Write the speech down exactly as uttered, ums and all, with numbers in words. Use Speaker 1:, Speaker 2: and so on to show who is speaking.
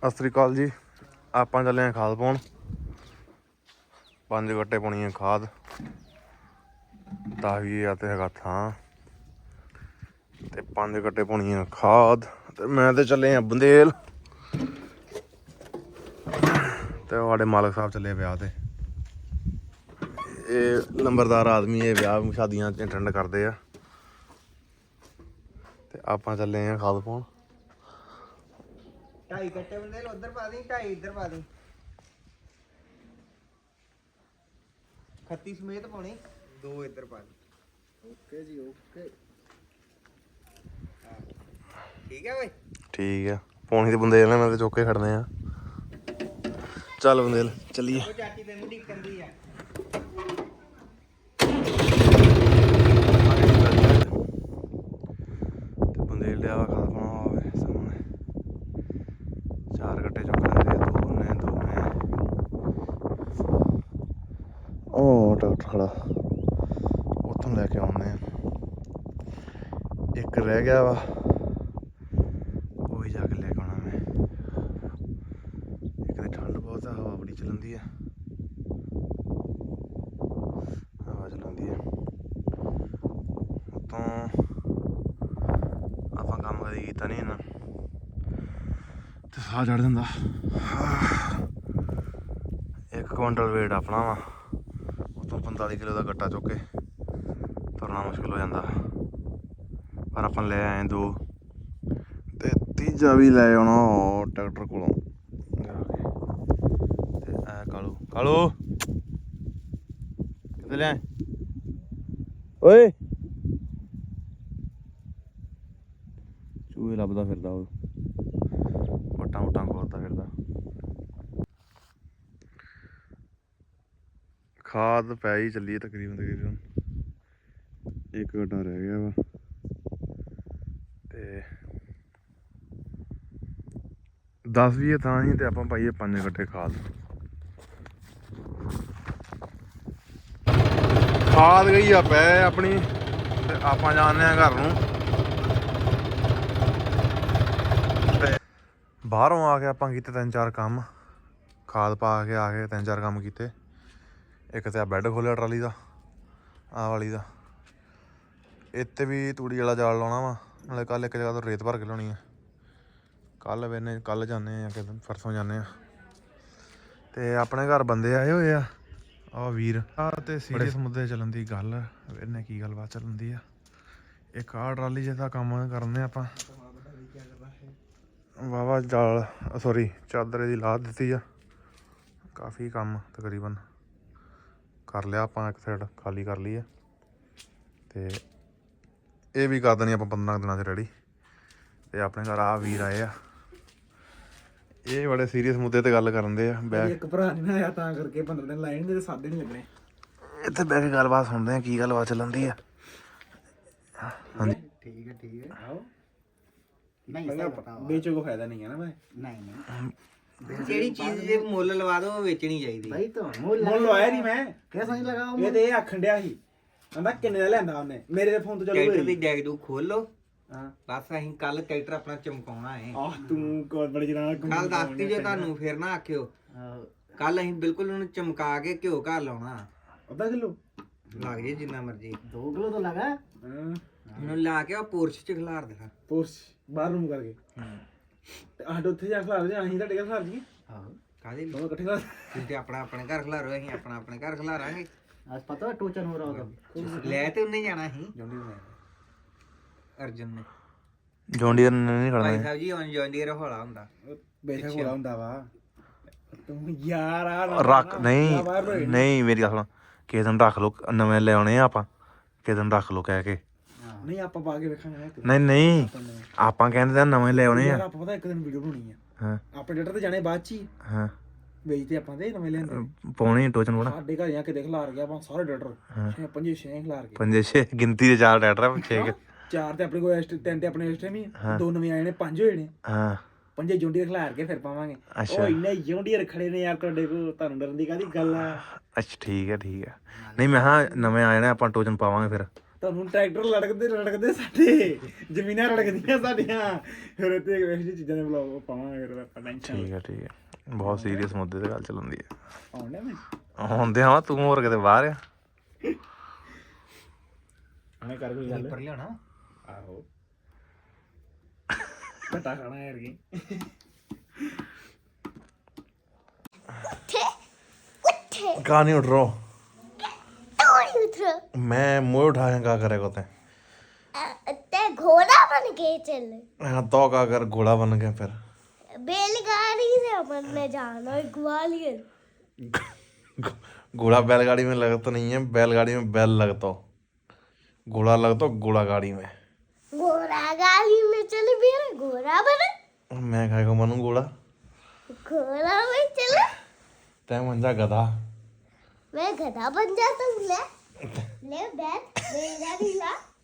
Speaker 1: ਸਤਿ ਸ਼੍ਰੀ ਅਕਾਲ ਜੀ। ਆਪਾਂ ਚੱਲੇ ਹਾਂ ਖਾਦ ਪਾਉਣ। ਪੰਜ ਗੱਟੇ ਪਾਉਣੀ ਹੈ ਖਾਦ। ਦਸ ਵੀਹ ਹਜ਼ਾਰ ਤੇ ਹੈਗਾ ਥਾਂ ਤੇ ਪੰਜ ਗੱਟੇ ਪਾਉਣੀ ਹੈ ਖਾਦ। ਤੇ ਮੈਂ ਤੇ ਚੱਲੇ ਹਾਂ ਬੰਦੇਲ ਤੇ ਸਾਡੇ ਮਾਲਕ ਸਾਹਿਬ ਚੱਲੇ ਵਿਆਹ ਤੇ। ਇਹ ਨੰਬਰਦਾਰ ਆਦਮੀ ਇਹ ਵਿਆਹ ਸ਼ਾਦੀਆਂ ਚ ਅਟੈਂਡ ਕਰਦੇ ਆ ਤੇ ਆਪਾਂ ਚੱਲੇ ਹਾਂ ਖਾਦ ਪਾਉਣ।
Speaker 2: ਢਾਈ ਕੱਟੇ ਬੰਦੇ ਉਧਰ ਪਾ ਦੀ, ਢਾਈ ਇੱਧਰ ਪਾ ਦੀ। ਖੱਤੀ ਸਮੇਤ ਪਾਉਣੀ, ਦੋ ਇੱਧਰ ਪਾ ਦੀ। ਓਕੇ ਜੀ ਓਕੇ। ਠੀਕ ਹੈ ਬਈ। ਠੀਕ
Speaker 1: ਆ ਪਾਉਣੀ ਤੇ ਬੰਦੇਲ ਨੇ, ਮੈਂ ਤੇ ਚੁੱਕ ਕੇ ਖੜਨੇ ਆ। ਚੱਲ ਬੰਦੇਲ ਚੱਲੀਏ।
Speaker 2: ਉਹ ਚਾਚੀ ਤੈਨੂੰ ਢੀਕਣ ਦੀ ਆ।
Speaker 1: ਤੇ ਬੰਦੇਲ ਲਿਆ ਵਾ ਖਾਦ ਪਾਉਣਾ ਹੋਵੇ ਸਾਹਮਣੇ। ਚਾਰ ਗੱਟੇ ਚੁੱਕ ਲੈਂਦੇ ਆ, ਦੋ ਨੇ ਦੋ ਨੇ। ਉਹ ਡਾਕਟਰ ਖੜਾ ਉੱਥੋਂ ਲੈ ਕੇ ਆਉਂਦੇ ਆ। ਇੱਕ ਰਹਿ ਗਿਆ ਵਾ, ਉਹੀ ਜਾ ਕੇ ਲੈ ਕੇ ਆਉਣਾ ਮੈਂ। ਇੱਕ ਤਾਂ ਠੰਡ ਬਹੁਤ ਆ, ਹਵਾ ਬੜੀ ਚੱਲਦੀ ਆ, ਹਵਾ ਚਲਾਉਂਦੀ ਆ ਉੱਤੋਂ। ਆਪਾਂ ਕੰਮ ਕਦੇ ਕੀਤਾ ਨਹੀਂ ਇੰਨਾ ਤੇ ਸਾਹ ਚੜ ਜਾਂਦਾ। ਇੱਕ ਕੁਇੰਟਲ ਵੇਟ ਆਪਣਾ ਵਾ, ਉੱਤੋਂ ਪੰਤਾਲੀ ਕਿਲੋ ਦਾ ਗੱਟਾ ਚੁੱਕ ਕੇ ਤੁਰਨਾ ਮੁਸ਼ਕਿਲ ਹੋ ਜਾਂਦਾ। ਪਰ ਆਪਾਂ ਲੈ ਆਏ ਦੋ ਤੇ ਤੀਜਾ ਵੀ ਲੈ ਆਉਣਾ ਟਰੈਕਟਰ ਕੋਲੋਂ ਜਾ ਕੇ। ਤੇ ਐ ਕਾਲੂ ਕਾਲੂ ਕਿੱਥੇ ਲਿਆ ਓਏ? ਚੂਹੇ ਲੱਭਦਾ ਫਿਰਦਾ, ਉਹ ਵਟਾਂ ਵਟਾਂ ਖੋਲਦਾ ਫਿਰਦਾ। ਖਾਦ ਪੈ ਹੀ ਚੱਲੀ ਤਕਰੀਬਨ ਤਕਰੀਬਨ। ਇੱਕ ਗੱਡਾ ਰਹਿ ਗਿਆ ਵਾ ਤੇ ਦਸ ਵੀਹ ਥਾਂ ਸੀ ਤੇ ਆਪਾਂ ਪਾਈਏ ਪੰਜ ਗੱਟੇ ਖਾਦ। ਖਾਦ ਗਈ ਆ ਪੈ ਆਪਣੀ ਤੇ ਆਪਾਂ ਜਾਂਦੇ ਹਾਂ ਘਰ ਨੂੰ। ਤੇ ਬਾਹਰੋਂ ਆ ਕੇ ਆਪਾਂ ਕੀਤੇ ਤਿੰਨ ਚਾਰ ਕੰਮ। ਖਾਦ ਪਾ ਕੇ ਆ ਕੇ ਤਿੰਨ ਚਾਰ ਕੰਮ ਕੀਤੇ। ਇੱਕ ਤੇ ਆ ਬੈੱਡ ਖੋਲਿਆ ਟਰਾਲੀ ਦਾ, ਆਹ ਵਾਲੀ ਦਾ। ਇੱਥੇ ਵੀ ਤੂੜੀ ਵਾਲਾ ਜਾਲ ਲਾਉਣਾ ਵਾ। ਨਾਲੇ ਕੱਲ੍ਹ ਇੱਕ ਜਗ੍ਹਾ ਤੋਂ ਰੇਤ ਭਰ ਕੇ ਲਾਉਣੀ ਆ। ਕੱਲ੍ਹ ਵੇਨੇ ਕੱਲ੍ਹ ਜਾਂਦੇ ਹਾਂ ਕਿ ਪਰਸੋਂ ਜਾਂਦੇ ਹਾਂ। ਤੇ ਆਪਣੇ ਘਰ ਬੰਦੇ ਆਏ ਹੋਏ ਆ, ਆਹ ਵੀਰ ਆ। ਤੇ ਸੀਰੀਅਸ ਮੁੱਦੇ ਚੱਲਣ ਦੀ ਗੱਲ, ਵੇਨੇ ਕੀ ਗੱਲਬਾਤ ਚੱਲਣ ਦੀ ਆ। ਇੱਕ ਆਹ ਟਰਾਲੀ ਜਿਹਦਾ ਕੰਮ ਕਰਦੇ ਆਪਾਂ। ਵਾਹਵਾ ਜਾਲ ਸੋਰੀ ਚਾਦਰ ਦੀ ਲਾ ਦਿੱਤੀ ਆ। ਕਾਫੀ ਕੰਮ ਤਕਰੀਬਨ ਕਰ ਲਿਆ ਆਪਾਂ, ਇੱਕ ਸਾਈਡ ਖਾਲੀ ਕਰ ਲਈ ਆ। ਤੇ ਇਹ ਵੀ ਕਰ ਦੇਣੀ ਆਪਾਂ ਪੰਦਰਾਂ ਦਿਨਾਂ 'ਚ ਰੈਡੀ। ਤੇ ਆਪਣੇ ਘਰ ਆ ਵੀਰ ਆਏ ਆ, ਇਹ ਬੜੇ ਸੀਰੀਅਸ ਮੁੱਦੇ ਤੇ ਗੱਲ ਕਰਨ ਦੇ ਆ। ਬੈਠ
Speaker 2: ਇੱਕ ਭਰਾ ਨਹੀਂ ਆਇਆ ਤਾਂ ਕਰਕੇ ਪੰਦਰਾਂ ਦਿਨ ਲਾਏ ਨਹੀਂ ਤੇ ਸਾਦੇ ਨਹੀਂ ਲੱਗਣੇ।
Speaker 1: ਇੱਥੇ ਬਹਿ ਕੇ ਗੱਲਬਾਤ ਸੁਣਦੇ ਆ ਕੀ ਗੱਲਬਾਤ ਚੱਲਣ ਆ। ਹਾਂਜੀ
Speaker 2: ਠੀਕ ਹੈ ਠੀਕ ਹੈ। ਆਓ ਨਹੀਂ ਵੇਚੋ ਕੋ ਫਾਇਦਾ ਨਹੀਂ ਹੈ ਨਾ ਭਾਈ। ਨਹੀਂ ਨਹੀਂ ਜਿਹੜੀ ਚੀਜ਼ ਜੇ ਮੁੱਲ ਲਵਾ ਦੋ ਉਹ ਵੇਚਣੀ ਚਾਹੀਦੀ ਭਾਈ। ਤਾਂ ਮੁੱਲ ਲਵਾਇਆ ਨਹੀਂ ਮੈਂ, ਕਿਹ ਸਮਝ ਲਗਾ। ਇਹ ਤੇ ਇਹ ਆਖਣ ਡਿਆ ਸੀ, ਕਹਿੰਦਾ ਕਿੰਨੇ ਦਾ ਲਿਆਂਦਾ ਉਹਨੇ। ਮੇਰੇ ਦੇ ਫੋਨ ਤੋਂ ਚੱਲੂ ਟਰੈਕਟਰ ਦੀ ਡੈਗ ਡੂ ਖੋਲੋ। ਹਾਂ ਬਸ ਅਸੀਂ ਕੱਲ ਟਰੈਕਟਰ ਆਪਣਾ ਚਮਕਾਉਣਾ ਹੈ। ਆਹ ਤੂੰ ਕੋਲ ਬੜੀ ਜਣਾ ਕੱਲ ਦੱਸਤੀ ਜੇ ਤੁਹਾਨੂੰ ਫਿਰ ਨਾ ਆਖਿਓ। ਕੱਲ ਅਸੀਂ ਬਿਲਕੁਲ ਉਹਨੂੰ ਚਮਕਾ ਕੇ ਘਿਓ ਘਰ ਲਾਉਣਾ। ਅੱਧਾ ਕਿਲੋ ਲੱਗ ਜੇ ਜਿੰਨਾ ਮਰਜੀ। ਦੋ ਕਿਲੋ ਤਾਂ ਲਗਾ। ਹਾਂ ਉਹਨੂੰ ਲਾ ਕੇ ਉਹ ਪੋਰਸ਼ ਚ ਖਿਲਾਰ ਦੇਣਾ। ਪੋਰਸ਼ ਬਾਹਰ ਨੂੰ ਕਰਕੇ। ਹਾਂ ਤੇ ਆਹ ਉੱਥੇ ਜਾ ਖਿਲਾਰ ਦੇ, ਅਸੀਂ ਤੁਹਾਡੇ ਘਰ ਖਿਲਾਰ ਜੀਏ। ਆਹੋ ਕਾਹਦੇ ਦੋਨੋਂ ਇਕੱਠੇ ਖਿਲਾਰ। ਤੁਸੀਂ ਤੇ ਆਪਣਾ ਆਪਣੇ ਘਰ ਖਿਲਾਰੋ, ਅਸੀਂ ਆਪਣਾ ਆਪਣੇ ਘਰ ਖਿਲਾਰਾਂਗੇ। ਅੱਜ ਪਤਾ ਟੋਚਨ ਹੋ ਰਹਾ ਉਹਦਾ ਲੈ ਤੇ ਉਹਨੇ ਜਾਣਾ ਸੀ ਅਰਜਨ ਨੇ। ਜੌਂਡੀਅਰ ਨੇ ਨਹੀਂ ਖੜਨਾ ਭਾਈ ਸਾਹਿਬ ਜੀ। ਹੁਣ ਜੌਂਡੀਅਰ ਹੌਲਾ ਹੁੰਦਾ, ਬੇਸ਼ੱਕ ਹੌਲਾ ਹੁੰਦਾ ਵਾ। ਤੂੰ ਯਾਰ ਆ ਰੱਖ ਨਹੀਂ ਨਹੀਂ ਮੇਰੀ ਗੱਲ ਸੁਣ। ਕਿਸੇ ਦਿਨ ਰੱਖ ਲਓ, ਨਵੇਂ ਲੈ ਆਉਣੇ ਆ ਆਪਾਂ। ਕਿਸੇ ਦਿਨ ਰੱਖ ਲਓ ਕਹਿ ਕੇ। ਨਹੀਂ ਆਪਾਂ ਪਾ ਕੇ ਵੇਖਾਂਗੇ। ਨਹੀਂ ਨਹੀਂ ਆਪਾਂ ਕਹਿੰਦੇ ਤਾਂ ਨਵੇਂ ਲੈ ਆਉਣੇ ਆ। ਆਪਾਂ ਪਤਾ ਇੱਕ ਦਿਨ ਵੀਡੀਓ ਬਣਾਉਣੀ ਆ। ਹਾਂ ਆਪਣੇ ਡੇਟਰ ਤੇ ਜਾਣੇ ਬਾਅਦ ਚ ਹੀ। ਹਾਂ ਵੇਚਦੇ ਆਪਾਂ ਤੇ ਨਵੇਂ ਲੈਂਦੇ ਪਾਉਣੇ ਟੋਚਨ ਬਣਾ। ਸਾਡੇ ਘਰ ਜਾ ਕੇ ਦੇਖ ਖਿਲਾਰ ਗਿਆ ਆਪਾਂ ਸਾਰੇ ਡੇਟਰ ਪੰਜੇ ਛੇ ਖਿਲਾਰ ਕੇ। ਪੰਜੇ ਛੇ ਗਿਣਤੀ ਦੇ ਚਾਰ ਡੇਟਰ ਆ, ਛੇ ਚਾਰ ਤੇ ਆਪਣੇ ਕੋਲ ਤਿੰਨ ਤੇ ਆਪਣੇ ਇਸ ਟਾਈਮ ਹੀ ਦੋ ਨਵੇਂ ਆਏ ਨੇ, ਪੰਜ ਹੋਏ ਨੇ। ਹਾਂ ਪੰਜੇ ਜੌਂਡੀਅਰ ਖਿਲਾਰ ਕੇ ਫਿਰ ਪਾਵਾਂਗੇ। ਉਹ ਇੰਨੇ ਜੌਂਡੀਅਰ ਖੜੇ ਨੇ ਯਾਰ ਤੁਹਾਡੇ ਕੋਲ, ਤੁਹਾਨੂੰ ਡਰਨ ਦੀ ਕਾਹਦੀ ਗੱਲ ਆ। ਅੱਛਾ ਠੀਕ ਹੈ ਠੀਕ ਹੈ। ਨਹੀਂ ਮੈਂ ਹਾਂ ਨਵੇਂ ਆਏ ਨੇ ਆਪਾਂ ਟੋਚਨ ਪਾਵਾਂਗੇ ਫਿਰ। ਤੁਹਾਨੂੰ ਟਰੈਕਟਰ ਲੜਕਦੇ ਲੜਕਦੇ ਸਾਡੇ ਜ਼ਮੀਨਾਂ ਰੜਕਦੀਆਂ ਸਾਡੀਆਂ ਫਿਰ ਇੱਥੇ ਇਹੋ ਜਿਹੀ ਚੀਜ਼ਾਂ ਦੇ ਬਲੌਗ ਪਾਵਾਂਗੇ ਫਿਰ ਆਪਾਂ ਟੈਨਸ਼ਨ
Speaker 1: ਠੀਕ ਹੈ ਠੀਕ ਹੈ ਬਹੁਤ ਸੀਰੀਅਸ ਮੁੱਦੇ ਤੇ ਗੱਲ ਚੱਲਦੀ ਹੈ
Speaker 2: ਆਉਂਦੇ ਮੈਂ
Speaker 1: ਆਉਂਦੇ ਹਾਂ ਤੂੰ ਹੋਰ ਕਿਤੇ ਬਾਹਰ ਆ
Speaker 2: ਆਣੇ ਕਰ ਕੋਈ ਗੱਲ ਪਰ ਲਿਆਣਾ ਆਹੋ ਪਤਾ ਖਾਣਾ ਯਾਰ ਕੀ
Speaker 1: कहाँ नहीं उठ रहा हूँ
Speaker 3: तो नहीं उठ रहा
Speaker 1: मैं मुँह उठाया क्या करेगा ते
Speaker 3: ते घोड़ा बन के चले
Speaker 1: हाँ तो क्या कर घोड़ा बन गया फिर
Speaker 3: बैलगाड़ी से अपन ने जाना है ग्वालियर
Speaker 1: घोड़ा बैलगाड़ी में लगता नहीं है बैलगाड़ी में बैल लगता हो घोड़ा लगता हो घोड़ा गाड़ी में
Speaker 3: घोड़ा गाड़ी में चले मेरा घोड़ा बना
Speaker 1: मैं खाएगा बनूँ घोड़ा
Speaker 3: घोड़ा में चले
Speaker 1: तय बन जा गधा
Speaker 3: मैं गधा बन जाता हूँ ले ले बैठ बैलगाड़ी ला